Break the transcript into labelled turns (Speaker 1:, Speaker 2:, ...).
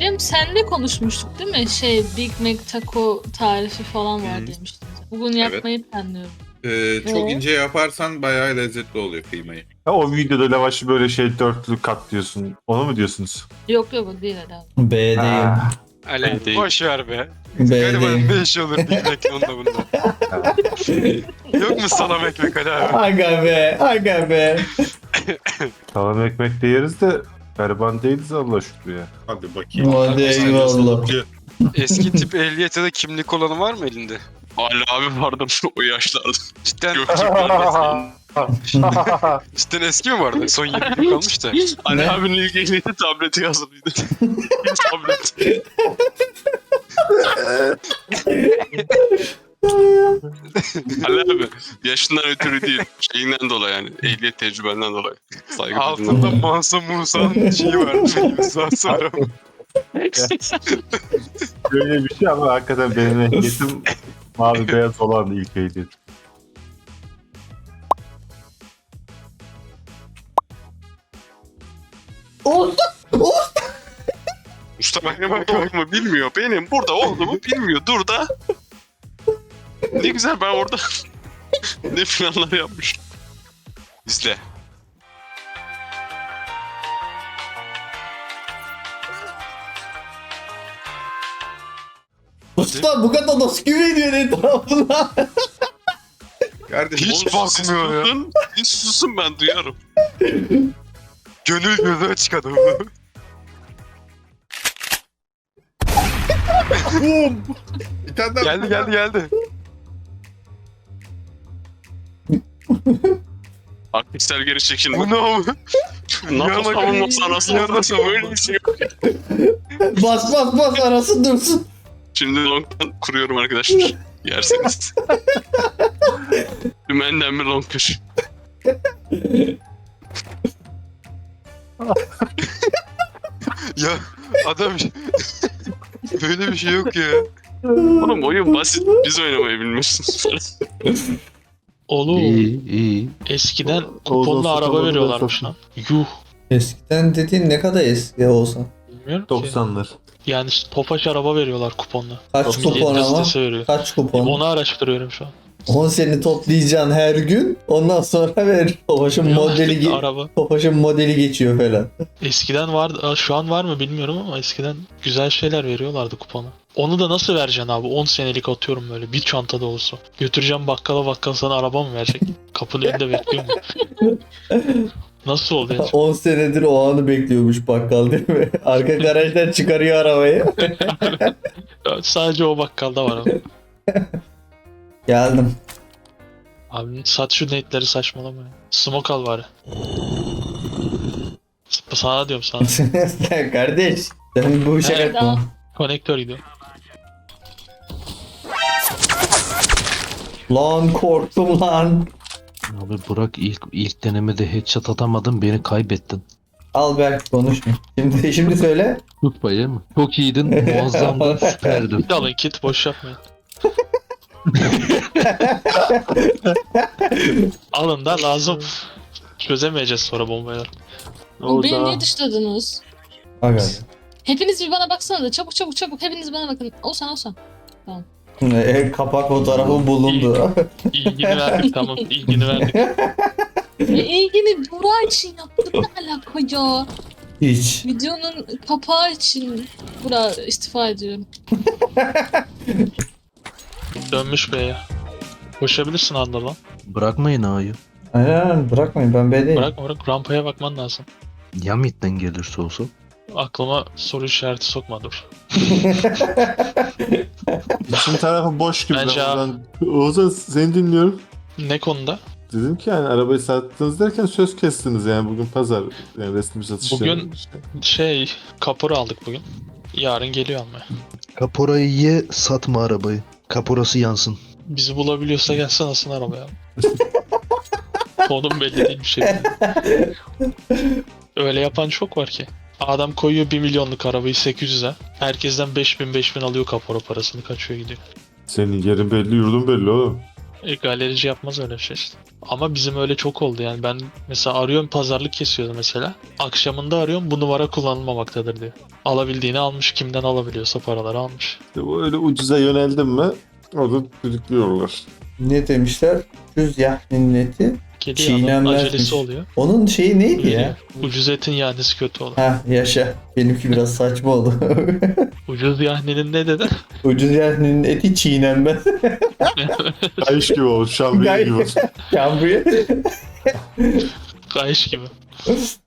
Speaker 1: Cem senle konuşmuştuk değil mi? Big Mac taco tarifi falan var demiştin. Bugün yapmayı planlıyorum.
Speaker 2: Çok ince yaparsan bayağı lezzetli oluyor kıymayı.
Speaker 3: Ha, o videoda lavaşı böyle dörtlü katlıyorsun. Onu mu diyorsunuz?
Speaker 1: Yok o değil herhalde.
Speaker 4: B'deyim.
Speaker 5: Ali
Speaker 3: Değil.
Speaker 5: boş ver be. Galiba
Speaker 4: B'deyim.
Speaker 5: ne iş olur bilmek onda bunda. Yok mu salam ekmek Ali abi?
Speaker 4: Aga be, aga be.
Speaker 3: Salam ekmek de yeriz de gariban değiliz Allah şükür ya.
Speaker 2: Hadi bakayım.
Speaker 4: Hadi eyvallah.
Speaker 5: Eski tip ehliyet ya da kimlik olanı var mı elinde?
Speaker 6: Ali abi vardı o yaşlarda.
Speaker 5: Cidden,
Speaker 6: Göktürk'ün
Speaker 5: cidden eski mi vardı? Son 20 yıl kalmış da.
Speaker 6: Ali
Speaker 4: Ne?
Speaker 6: abinin ilk ehliyeti tableti yazılıydı. Tablet. Ali abi yaşından ötürü değil. Şeyinden dolayı yani. Ehliyet tecrübenden dolayı. Saygı
Speaker 5: Altında
Speaker 6: duyduğundan.
Speaker 5: Mansa Musa'nın şeyi vardı. İmzası var ama.
Speaker 3: Böyle bir şey ama hakikaten benim ehliyetim mavi beyaz olan ilk ehliyet.
Speaker 6: Usta benim burada olduğumu bilmiyor. Benim burada olduğumu bilmiyor. Dur da. Ne güzel ben orada ne planlar yapmış. İzle.
Speaker 4: Usta bu kadar nasıl güveniyor etrafına?
Speaker 2: Kardeşim
Speaker 5: Hiç
Speaker 6: Oğlum,
Speaker 5: bakmıyor ya.
Speaker 6: susun. Hiç susun ben duyarım.
Speaker 5: Gönül gözü açık adam.
Speaker 2: bir tane daha
Speaker 5: geldi.
Speaker 6: Arkadaşlar geri çekildi.
Speaker 5: Bu ne abi?
Speaker 6: NATO savunması anasını avradasa böyle bir şey yok.
Speaker 4: Bas bas bas arası dursun.
Speaker 6: Şimdi long'dan kuruyorum arkadaşlar. Yerseniz. Dümenden bir long köşe.
Speaker 5: Ya adam böyle bir şey yok ya.
Speaker 6: Oğlum oyun basit. Biz oynamayı bilmiyorsunuz.
Speaker 7: Oğlum
Speaker 3: iyi.
Speaker 7: eskiden
Speaker 3: Oğuzhan
Speaker 7: kuponlu araba
Speaker 3: Sultan'ı
Speaker 7: veriyorlarmış
Speaker 3: ben
Speaker 7: lan. Yuh.
Speaker 4: Eskiden dediğin ne kadar eski olsa.
Speaker 7: Bilmiyorum ki.
Speaker 3: 90'lar.
Speaker 7: Yani Tofaş araba veriyorlar kuponla.
Speaker 4: Kaç
Speaker 7: Millet
Speaker 4: kupon ama?
Speaker 7: gazetesi veriyor.
Speaker 4: Kaç kupon?
Speaker 7: Onu araştırıyorum şu an.
Speaker 4: 10 seni toplayacaksın her gün. Ondan sonra ver. Tofaş'ın modeli geçiyor falan.
Speaker 7: Eskiden vardı. Şu an var mı bilmiyorum ama eskiden güzel şeyler veriyorlardı kupona. Onu da nasıl vereceksin abi? 10 senelik atıyorum böyle. Bir çantada olsa. Götüreceğim bakkala, bakkal sana araba mı verecek? Kapının önünde bekliyor mu? Nasıl oluyor?
Speaker 4: 10 senedir o anı bekliyormuş bakkal değil mi? Arka garajdan çıkarıyor arabayı.
Speaker 7: Sadece o bakkalda var ama.
Speaker 4: Geldim.
Speaker 7: Abi sat şu nate'leri saçmalama ya. Smoke al bari. Sana diyorum sana.
Speaker 4: Sen kardeş. Sen bu işe
Speaker 7: Evet.
Speaker 4: katma.
Speaker 7: Konektör gidiyor.
Speaker 4: Lan korktum lan.
Speaker 8: Abi Burak ilk denemede headshot atamadın beni kaybettin.
Speaker 4: Al Berk konuşma. Şimdi söyle.
Speaker 8: Tut payı mı? Çok iyiydin, muazzamdın, süperdin.
Speaker 7: Bir de alın kit boş yapmayın. Alın da lazım. Çözemeyeceğiz sonra bombayla.
Speaker 1: Oğlum beni niye dışladınız?
Speaker 4: Aga.
Speaker 1: Hepiniz bir bana baksana da çabuk hepiniz bana bakın. Olsan.
Speaker 4: Kapak fotoğrafı bulundu.
Speaker 7: İlgini verdik tamam. İlgini verdik.
Speaker 1: İlgini Burak için yaptık ne alaka ya?
Speaker 4: Hiç.
Speaker 1: Videonun kapağı için Burak istifa ediyorum.
Speaker 7: Dönmüş B'ye. Koşabilirsin anda lan.
Speaker 8: Bırakmayın A'yı.
Speaker 4: Aynen bırakmayın ben B'deyim.
Speaker 7: Bırak rampaya bakman lazım.
Speaker 8: Ya midden gelirse olsa?
Speaker 7: Aklıma soru işareti sokma dur.
Speaker 3: İçin tarafı boş gibi.
Speaker 7: Bence
Speaker 3: Oğuzhan seni dinliyorum.
Speaker 7: Ne konuda?
Speaker 3: Dedim ki yani arabayı sattınız derken söz kestiniz yani bugün pazar yani resmi satışlar.
Speaker 7: Bugün- Kapora aldık bugün. Yarın geliyor almaya.
Speaker 8: Kaporayı ye, satma arabayı. Kaporası yansın.
Speaker 7: Bizi bulabiliyorsa gelsin alsın arabaya. Konum belli değil bir şey. Öyle yapan çok var ki. Adam koyuyor 1 milyonluk arabayı 800'e. Herkesten 5000 alıyor kapora parasını kaçıyor gidiyor.
Speaker 3: Senin yerin belli yurdun belli oğlum.
Speaker 7: Galerici yapmaz öyle bir şey işte. Ama bizim öyle çok oldu yani. Ben mesela arıyorum, pazarlık kesiyordu mesela. Akşamında arıyorum, bu numara kullanılmamaktadır diyor. Alabildiğini almış, kimden alabiliyorsa paraları almış.
Speaker 3: İşte bu öyle ucuza yöneldin mi orada düdüklüyorlar.
Speaker 4: Ne demişler? Ucuz yahninin eti
Speaker 7: Kedi
Speaker 4: çiğnenmezmiş.
Speaker 7: acelesi oluyor.
Speaker 4: Onun şeyi neydi ya?
Speaker 7: Ucuz etin yahnisi kötü olur.
Speaker 4: Ha yaşa. Benimki biraz saçma oldu.
Speaker 7: Ucuz yahninin ne dedi?
Speaker 4: Ucuz yahninin eti çiğnenmez.
Speaker 3: Kayış gibi olmuş. Şambriye gibi.
Speaker 4: Kambriye.
Speaker 7: Kayış gibi.